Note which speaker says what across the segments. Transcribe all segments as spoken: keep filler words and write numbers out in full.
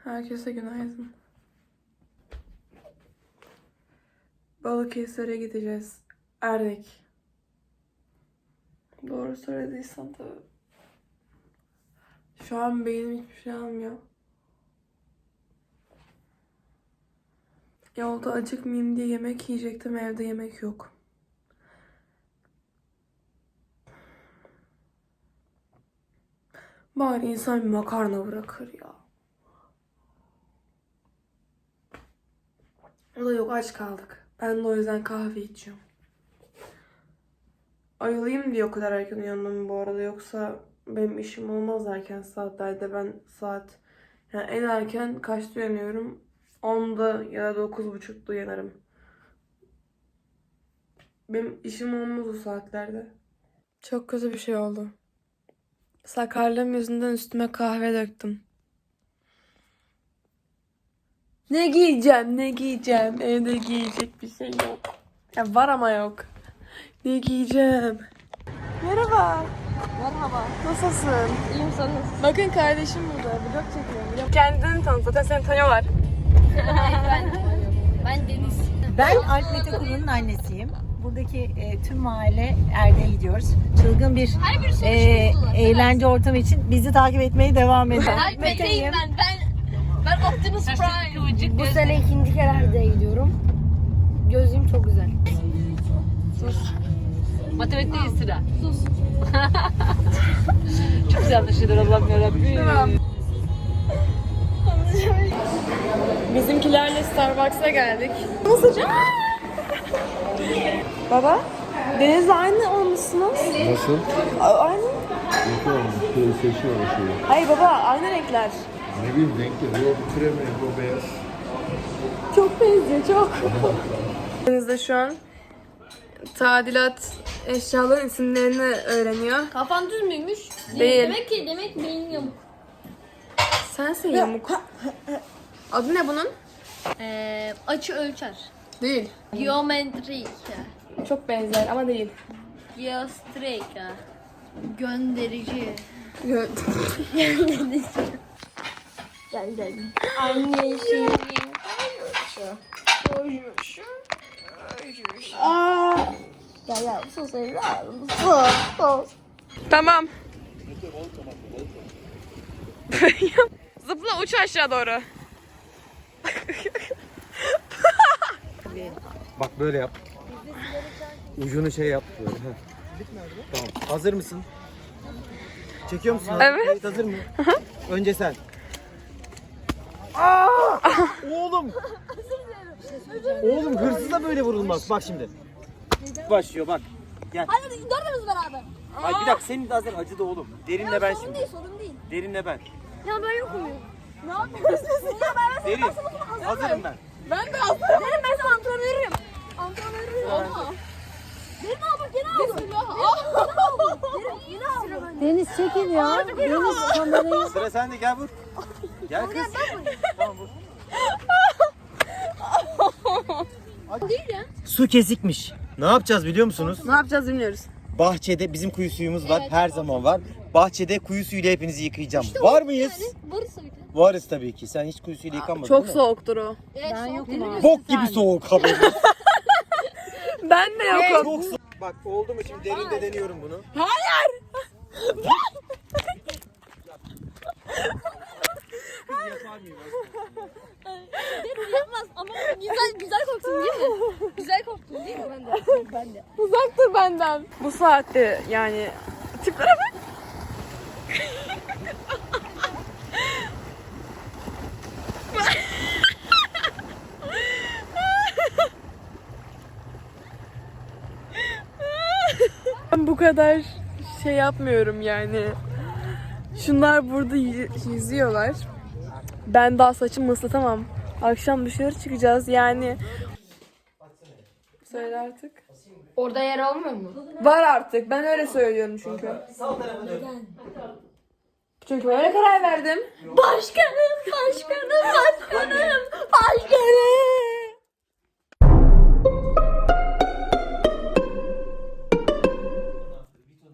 Speaker 1: Herkese günaydın. Balıkesir'e gideceğiz. Erdek. Doğru söylediysem tabii. Şu an beynim hiçbir şey almıyor. Yolda acıkmayayım diye yemek yiyecektim. Evde yemek yok. Bari insan bir makarna bırakır ya. O da yok, aç kaldık. Ben de o yüzden kahve içiyorum. Ayılayım diye o kadar erken uyandım bu arada. Yoksa benim işim olmaz erken saatlerde. Ben saat yani en erken kaçta uyanıyorum? onda ya da dokuz buçukta uyanırım. Benim işim olmaz o saatlerde. Çok kötü bir şey oldu. Sakarlığım yüzünden üstüme kahve döktüm. Ne giyeceğim, ne giyeceğim? Evde giyecek bir şey yok. Ya var ama yok. Ne giyeceğim? Merhaba.
Speaker 2: Merhaba.
Speaker 1: Nasılsın?
Speaker 2: İyiyim, sen nasılsın?
Speaker 1: Bakın kardeşim burada. Vlog çekiyorum. Kendini tanıt. Zaten seni tanıyorlar.
Speaker 2: ben, ben Deniz.
Speaker 3: Ben Alp Mete Kuru'nun annesiyim. Buradaki e, tüm mahalle Erdek'e gidiyoruz. Çılgın bir e, eğlence ortamı için bizi takip etmeye devam edin.
Speaker 2: Alp Mete'yim ben. Ben ben Optimus Prime. Bu sene ikinci kere Erdek'e gidiyorum. Gözlüğüm çok güzel.
Speaker 4: Sus. Matematikte sıra. Sus. Çok güzel anlaşılır Allah'ım yarabbim.
Speaker 1: Tamam. Bizimkilerle Starbucks'a geldik. Nasıl? Baba, Deniz'le aynı olmuşsunuz.
Speaker 5: Nasıl?
Speaker 1: A- Aynı.
Speaker 5: Yok oğlum, böyle seçiyor o şeyi.
Speaker 1: Hayır baba, aynı renkler.
Speaker 5: Ne bileyim renkli, o krem rengi, o beyaz.
Speaker 1: Çok benziyor, çok. Deniz de şu an tadilat eşyaların isimlerini öğreniyor.
Speaker 2: Kafan düz müymüş?
Speaker 1: Değil.
Speaker 2: Demek ki demek beyin yamuk.
Speaker 1: Sensin yamuk. Adı ne bunun?
Speaker 2: Ee, açı ölçer.
Speaker 1: Değil.
Speaker 2: Geometrik.
Speaker 1: Çok benzer ama değil.
Speaker 2: Geostrik. Gönderici.
Speaker 1: Gö-
Speaker 2: Gönderici. Gel gel. Anne şey. Gel gel. Sus evladım. Sus. Sus.
Speaker 1: Tamam. Zıpla, uç aşağı doğru.
Speaker 6: Bak böyle yap. Ucunu şey yap böyle. Heh. Tamam. Hazır mısın? Çekiyor musun?
Speaker 1: Evet.
Speaker 6: Kayıt hazır mı? Önce sen. Oğlum. Oğlum hırsıza böyle vurulmaz. Bak şimdi. Başlıyor bak. Gel.
Speaker 2: Hadi dördümüz beraber.
Speaker 6: Ay bir dakika senin de hazır acıdı oğlum. Derinle ben
Speaker 2: Sorun
Speaker 6: şimdi.
Speaker 2: değil sorun değil.
Speaker 6: Derinle ben.
Speaker 2: Ya ben yokum ya. Ne yapıyorsun? Ya ben
Speaker 6: Derin. Hazırım ben.
Speaker 1: Ben de aldım.
Speaker 2: Derin ben sana antrenörüm. Antrenörüm. Olma. Derin al bak yine aldım. Derin yine aldım.
Speaker 3: Deniz çekin ya. Deniz kamerayı.
Speaker 6: Sıra sende gel vur. Gel kız. Tamam vur.
Speaker 2: Değil ya.
Speaker 6: Su kesikmiş. Ne yapacağız biliyor musunuz?
Speaker 1: Ne yapacağız bilmiyoruz.
Speaker 6: Bahçede bizim kuyu suyumuz var.
Speaker 2: Evet.
Speaker 6: Her zaman var. Bahçede kuyu suyuyla hepinizi yıkayacağım. var mıyız?
Speaker 2: Yani varız tabii ki.
Speaker 6: Varız tabii ki. Sen hiç kuyu suyuyla yıkanmadın
Speaker 1: Çok
Speaker 6: değil mi?
Speaker 1: soğuktur o.
Speaker 2: Evet,
Speaker 3: Ben
Speaker 2: soğuk
Speaker 3: yokum
Speaker 2: değil.
Speaker 3: abi.
Speaker 6: Bok gibi soğuk haberin.
Speaker 1: Ben de yokum.
Speaker 6: Çok soğuk. Bak oldu mu şimdi derinde deniyorum bunu.
Speaker 1: Hayır.
Speaker 6: Yapar mıyım?
Speaker 2: Derin yapmaz ama güzel güzel korktun değil mi? Güzel korktun değil mi? Ben de. Ben de.
Speaker 1: Uzak dur benden. Bu saatte yani tiplere bak. Ben bu kadar şey yapmıyorum yani. Şunlar burada y- yüzüyorlar. Ben daha saçımı ıslatamam. Akşam dışarı çıkacağız yani. Söyle artık.
Speaker 2: Orada yer almıyor mu?
Speaker 1: Var artık. Ben öyle söylüyorum çünkü. Çünkü öyle karar verdim.
Speaker 2: Başkanım, başkanım, başkanım, başkanım.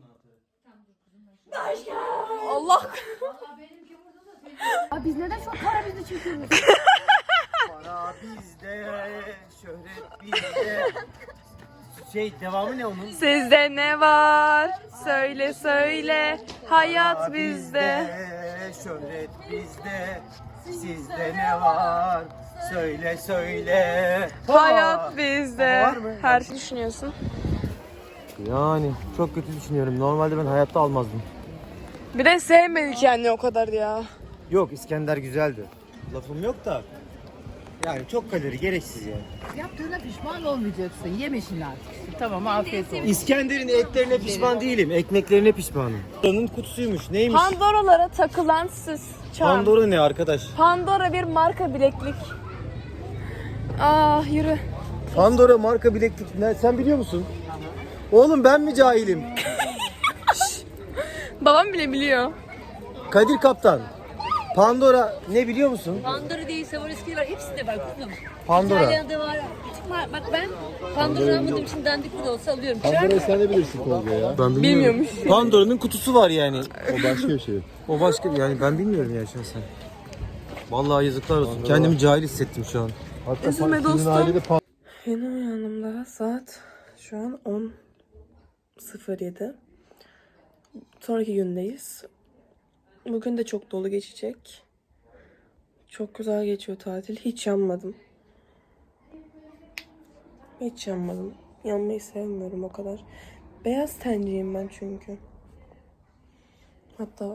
Speaker 1: Allah.
Speaker 2: Abi biz neden şu an
Speaker 3: para bizde çünkü.
Speaker 6: Para bizde, şöhret bizde. Şey devamı ne onun?
Speaker 1: Sizde ne var? Söyle söyle. Hayat
Speaker 6: Para
Speaker 1: bizde.
Speaker 6: şöhret bizde. Sizde ne var? Söyle söyle.
Speaker 1: Hayat bizde.
Speaker 6: Var mı?
Speaker 1: Her şey düşünüyorsun.
Speaker 6: Yani çok kötü düşünüyorum. Normalde ben hayatta almazdım.
Speaker 1: Bir de sevmedik yani o kadar ya.
Speaker 6: Yok, İskender güzeldi. Lafım yok da. Yani çok kalori, gereksiz yani.
Speaker 7: Yaptığına pişman olmayacaksın. Yeme şimdi artık. Tamam, afiyet olsun.
Speaker 6: İskender'in etlerine pişman değilim. Ekmeklerine pişmanım. Pandora'nın kutusuymuş. Neymiş?
Speaker 1: Pandora'lara takılan süs. Çam.
Speaker 6: Pandora ne arkadaş?
Speaker 1: Pandora bir marka bileklik. Ah yürü.
Speaker 6: Pandora marka bileklik. Ne, sen biliyor musun? Oğlum ben mi cahilim?
Speaker 1: Babam bile biliyor.
Speaker 6: Kadir Kaptan. Pandora ne biliyor musun?
Speaker 4: Pandora değil, Swarovski var. Hepsinde var kuzum.
Speaker 6: Pandora.
Speaker 4: İtalya'da var. Bak ben Pandora almadığım için dandik bile olsa alıyorum.
Speaker 5: Pandora'yı sen de bilirsin Tolga ya.
Speaker 6: Ben
Speaker 1: Bilmiyormuş.
Speaker 6: Pandora'nın kutusu var yani.
Speaker 5: O başka bir şey.
Speaker 6: O başka yani ben bilmiyorum ya şahsen. Vallahi yazıklar olsun. Kendimi cahil hissettim şu an.
Speaker 5: Hatta
Speaker 1: Üzülme
Speaker 5: sizin
Speaker 1: dostum.
Speaker 5: ailede pan-
Speaker 1: Yeni uyandım daha. Saat şu an on sıfır yedi. Sonraki gündeyiz. Bugün de çok dolu geçecek. Çok güzel geçiyor tatil. Hiç yanmadım. Hiç yanmadım. Yanmayı sevmiyorum o kadar. Beyaz tenciyim ben çünkü. Hatta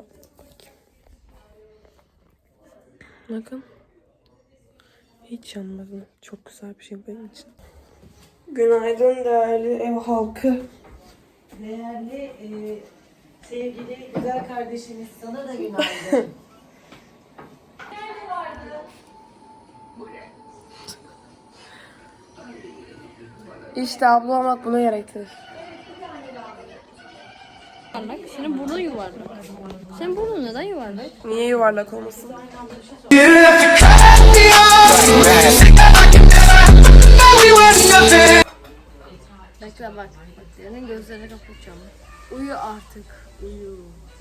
Speaker 1: bakın. Hiç yanmadım. Çok güzel bir şey benim için. Günaydın değerli ev halkı.
Speaker 3: Değerli, e, sevgili, güzel kardeşimiz sana da günaydın.
Speaker 1: İşte abla olmak bunu gerektirir.
Speaker 2: Senin burnun yuvarlak. Senin burnun neden yuvarlak?
Speaker 1: Niye yuvarlak olmasın?
Speaker 2: Bekle bak. Bak senin gözlerini kapatacağım. Uyu artık. Uyu.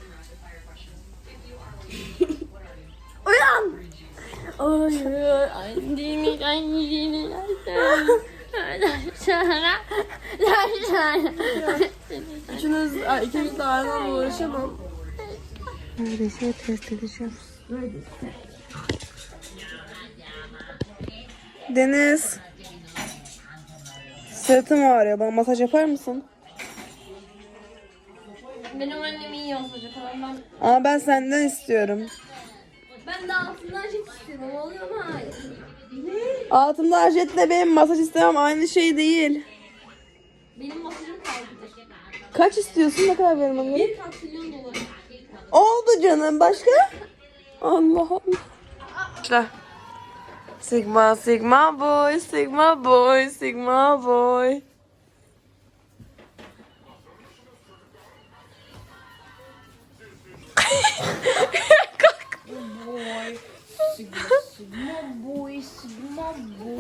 Speaker 2: Uyan! Uyu. Anneni, anneni,
Speaker 1: Üçünüz, ikiniz de aynı anda uğraşamam. Neredeyse test edeceğim. Deniz. Sırtım ağrıyor. Bana masaj yapar mısın?
Speaker 2: Benim annem iyi yapacak ama ben,
Speaker 1: Ama ben senden istiyorum.
Speaker 2: ben de altından jet istiyorum. Oluyor mu? Hayır.
Speaker 1: Altımda ajetle benim masaj istemem aynı şey değil.
Speaker 2: Benim masajım kalbidir.
Speaker 1: Kaç istiyorsun? Ne kadar verim onları?
Speaker 2: Bir trilyon dolar.
Speaker 1: Oldu canım. Başka? Allah Allah. İşte. Sigma, Sigma boy, Sigma boy, Sigma boy.
Speaker 2: Sigma boy, sigma boy.